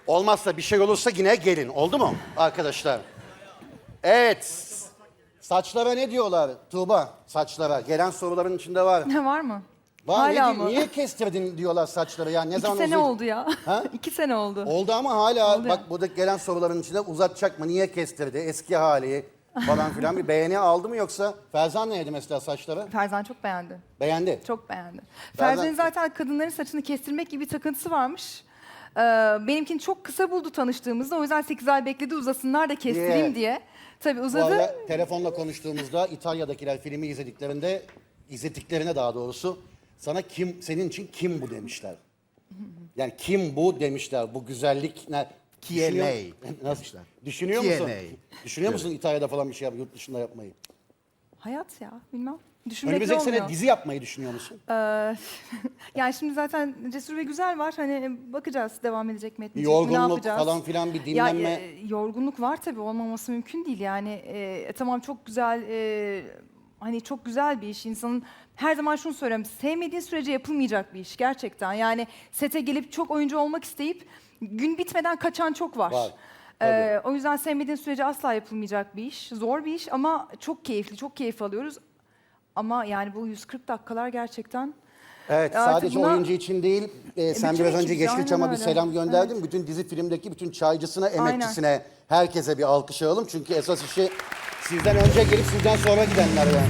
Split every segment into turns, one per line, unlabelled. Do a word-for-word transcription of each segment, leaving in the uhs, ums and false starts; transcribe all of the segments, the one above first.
Olmazsa bir şey olursa yine gelin. Oldu mu arkadaşlar? Evet. Saçlara ne diyorlar Tuğba? Saçlara. Gelen soruların içinde var.
Ne var mı?
Var. Ne
Hala
di-
mı?
Niye kestirdin diyorlar saçları ya? Ne
İki
zaman
sene
uzay-
oldu ya.
Ha?
İki sene oldu.
Oldu ama hala
Oldu
bak
ya.
burada gelen soruların içinde uzatacak mı? Niye kestirdi? Eski hali falan filan bir beğeni aldı mı yoksa? Ferzan neydi mesela saçları?
Ferzan çok beğendi.
Beğendi.
Çok beğendi.
Ferzan-
Ferzan'ın zaten kadınların saçını kestirmek gibi bir takıntısı varmış. Ee, benimkini çok kısa buldu tanıştığımızda. O yüzden sekiz ay bekledi uzasınlar da kestireyim
Yeah.
diye. Tabii
Bu
uzadı.
arada telefonla konuştuğumuzda İtalya'dakiler filmi izlediklerinde, izlediklerine daha doğrusu sana kim, senin için kim bu demişler. Yani kim bu demişler, bu güzellik ne?
Chi è
Düşünüyor-
lei
Nasıl?
demişler.
Düşünüyor
Chi è
musun?
lei?
Düşünüyor musun İtalya'da falan bir şey yap, yurt dışında yapmayı?
Hayat ya bilmem. Düşünmekle
Önümüzdeki
olmuyor.
sene dizi yapmayı düşünüyor musun?
Ee, yani şimdi zaten Cesur ve Güzel var. Hani bakacağız devam edecek mi
Bir
etmeyecek mi, ne
yorgunluk
yapacağız?
falan filan bir
Ya,
dinlenme.
e, yorgunluk var tabii olmaması mümkün değil yani. E, tamam çok güzel e, hani çok güzel bir iş. İnsanın her zaman şunu söylüyorum. Sevmediğin sürece yapılmayacak bir iş gerçekten. Yani sete gelip çok oyuncu olmak isteyip gün bitmeden kaçan çok var.
Var,
Ee, o yüzden sevmediğin sürece asla yapılmayacak bir iş. Zor bir iş ama çok keyifli, çok keyif alıyoruz. Ama yani bu yüz kırk dakikalar gerçekten...
Evet,
Artık
sadece
buna-
oyuncu için değil, e, sen
bütün
biraz önce
ekip,
Yeşilçam'a
aynen
bir
öyle.
selam gönderdin. Bütün dizi filmdeki bütün çaycısına, emekçisine, herkese bir alkış alalım. Çünkü esas işi sizden önce gelip sizden sonra gidenler yani.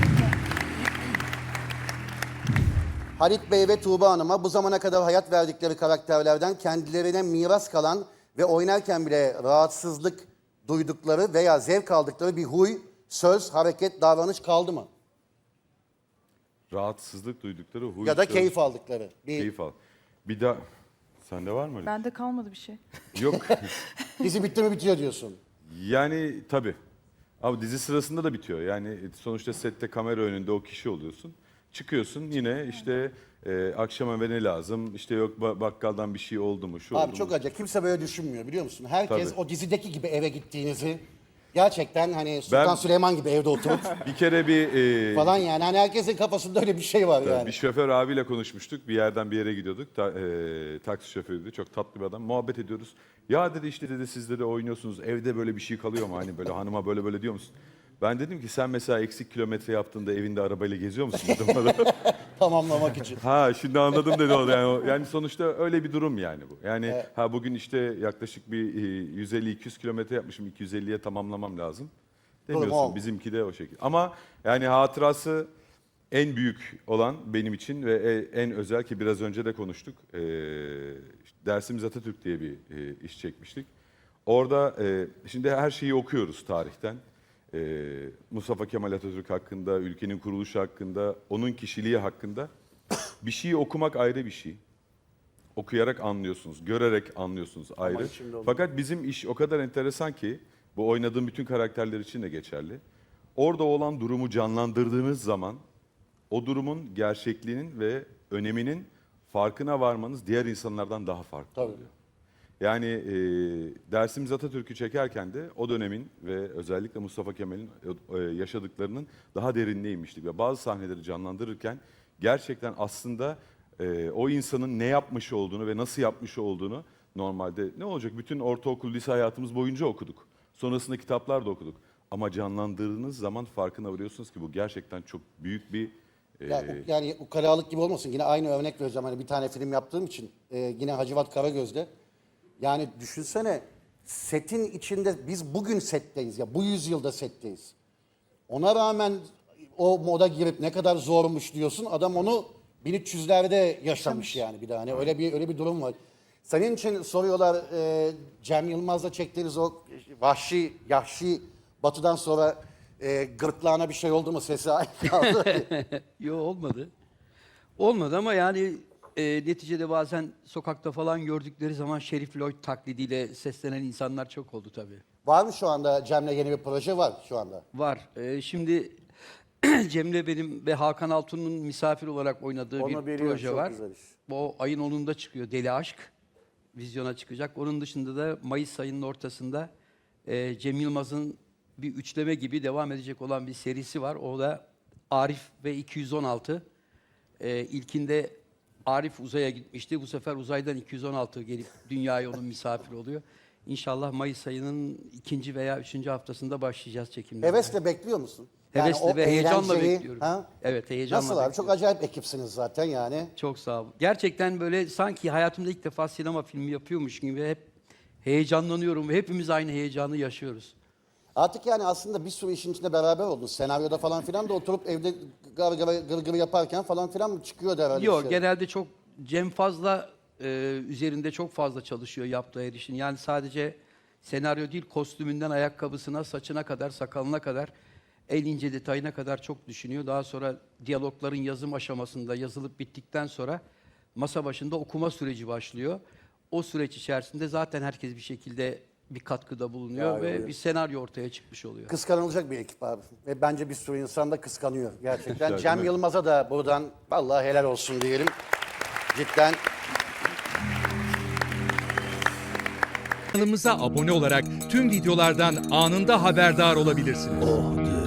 Halit Bey ve Tuğba Hanım'a bu zamana kadar hayat verdikleri karakterlerden kendilerine miras kalan ve oynarken bile rahatsızlık duydukları veya zevk aldıkları bir huy, söz, hareket, davranış kaldı mı?
Rahatsızlık duydukları huy.
Ya da
söz,
keyif aldıkları. Bir
Keyif al. Bir daha... Sende var mı öyle?
Bende kalmadı bir şey.
Yok.
dizi bitti mi bitiyor diyorsun.
Yani tabii. Ama dizi sırasında da bitiyor. Yani sonuçta sette kamera önünde o kişi oluyorsun. Çıkıyorsun yine işte e, akşam eve ne lazım? İşte yok ba- bakkaldan bir şey oldu mu? Şu
Abi
oldu
çok
mu?
acayip. Kimse böyle düşünmüyor biliyor musun? Herkes
Tabii.
o dizideki gibi eve gittiğinizi gerçekten hani Sultan
Ben-
Süleyman gibi evde oturup
Bir kere bir e,
falan yani. Hani herkesin kafasında öyle bir şey var yani.
bir şoför abiyle konuşmuştuk. Bir yerden bir yere gidiyorduk. Ta, e, taksi şoförüydü. Çok tatlı bir adam. Muhabbet ediyoruz. Ya dedi işte dedi siz de oynuyorsunuz. Evde böyle bir şey kalıyor mu? Hani böyle hanıma böyle böyle diyor musun? Ben dedim ki sen mesela eksik kilometre yaptığında evinde arabayla geziyor musun? Dedim bana.
Tamamlamak için.
Ha şimdi anladım dedi o da. Yani, o- yani sonuçta öyle bir durum yani bu. Yani ha bugün işte yaklaşık bir e, yüz elli iki yüz kilometre yapmışım. iki yüz elliye tamamlamam lazım.
Durum
Demiyorsun.
o.
Bizimki de o şekilde. Ama yani hatırası en büyük olan benim için ve e- en özel ki biraz önce de konuştuk. E, işte Dersimiz Atatürk diye bir e, iş çekmiştik. Orada e, şimdi her şeyi okuyoruz tarihten. E, Mustafa Kemal Atatürk hakkında, ülkenin kuruluşu hakkında, onun kişiliği hakkında. Bir şeyi okumak ayrı bir şey. Okuyarak anlıyorsunuz, görerek anlıyorsunuz ayrı.
içimde oldu.
Fakat bizim iş o kadar enteresan ki, bu oynadığım bütün karakterler için de geçerli. Orada olan durumu canlandırdığınız zaman, o durumun gerçekliğinin ve öneminin farkına varmanız diğer insanlardan daha farklı
Tabii.
oluyor. Yani e, Dersimiz Atatürk'ü çekerken de o dönemin ve özellikle Mustafa Kemal'in e, yaşadıklarının daha derinine inmiştik. Ve bazı sahneleri canlandırırken gerçekten aslında e, o insanın ne yapmış olduğunu ve nasıl yapmış olduğunu normalde ne olacak? Bütün ortaokul, lise hayatımız boyunca okuduk. Sonrasında kitaplar da okuduk. Ama canlandırdığınız zaman farkına varıyorsunuz ki bu gerçekten çok büyük bir... e,
Ya, u- yani ukalalık gibi olmasın. Yine aynı örnek vereceğim. Hani bir tane film yaptığım için. e, yine Hacivat Karagöz'de. Yani düşünsene setin içinde biz bugün setteyiz ya. Bu yüzyılda setteyiz. Ona rağmen o moda girip ne kadar zormuş diyorsun. Adam onu bin üç yüzlerde yaşamış yani bir daha. Hani öyle bir öyle bir durum var. Senin için soruyorlar e, Cem Yılmaz'la çektiğiniz o vahşi, yahşi batıdan sonra e, gırtlağına bir şey oldu mu sesi aynı kaldı.
Yok olmadı. Olmadı ama yani e, neticede bazen sokakta falan gördükleri zaman Şerif Lloyd taklidiyle seslenen insanlar çok oldu tabii.
Var mı şu anda Cem'le yeni bir proje var şu anda?
Var. E, şimdi Cem'le benim ve Hakan Altun'un misafir olarak oynadığı
Onu
bir
biliyorum,
proje
çok
var.
güzel iş.
Bu ayın onunda çıkıyor Deli Aşk. Vizyona çıkacak. Onun dışında da Mayıs ayının ortasında e, Cem Yılmaz'ın bir üçleme gibi devam edecek olan bir serisi var. O da Arif ve iki yüz on altı. E, ilkinde Arif uzaya gitmişti. Bu sefer uzaydan iki yüz on altı gelip dünyaya onun misafiri oluyor. İnşallah Mayıs ayının ikinci veya üçüncü haftasında başlayacağız çekimlere.
Hevesle bekliyor musun?
Hevesle
o
ve heyecanla
eğlenceyi,
bekliyorum.
ha?
Evet, heyecanla
Nasıl abi? Çok
bekliyorum.
acayip ekipsiniz zaten yani.
Çok sağ ol. Gerçekten böyle sanki hayatımda ilk defa sinema filmi yapıyormuş gibi hep heyecanlanıyorum ve hepimiz aynı heyecanı yaşıyoruz.
Artık yani aslında bir sürü işin içinde beraber oldun. Senaryoda falan filan da oturup evde gır gır, gır, gır yaparken falan filan mı çıkıyor herhalde?
Yok,
bir şey?
genelde çok Cem Fazla e, üzerinde çok fazla çalışıyor yaptığı her işin. Yani sadece senaryo değil, kostümünden ayakkabısına, saçına kadar, sakalına kadar, en ince detayına kadar çok düşünüyor. Daha sonra diyalogların yazım aşamasında yazılıp bittikten sonra masa başında okuma süreci başlıyor. O süreç içerisinde zaten herkes bir şekilde bir katkıda bulunuyor
Ya,
ve
evet.
bir senaryo ortaya çıkmış oluyor.
Kıskanılacak bir ekip abi. Ve bence bir sürü insan da kıskanıyor gerçekten.
Güzel,
Cem
değil mi?
Yılmaz'a da buradan vallahi helal olsun diyelim. Cidden.
Kanalımıza abone olarak tüm videolardan anında haberdar olabilirsiniz.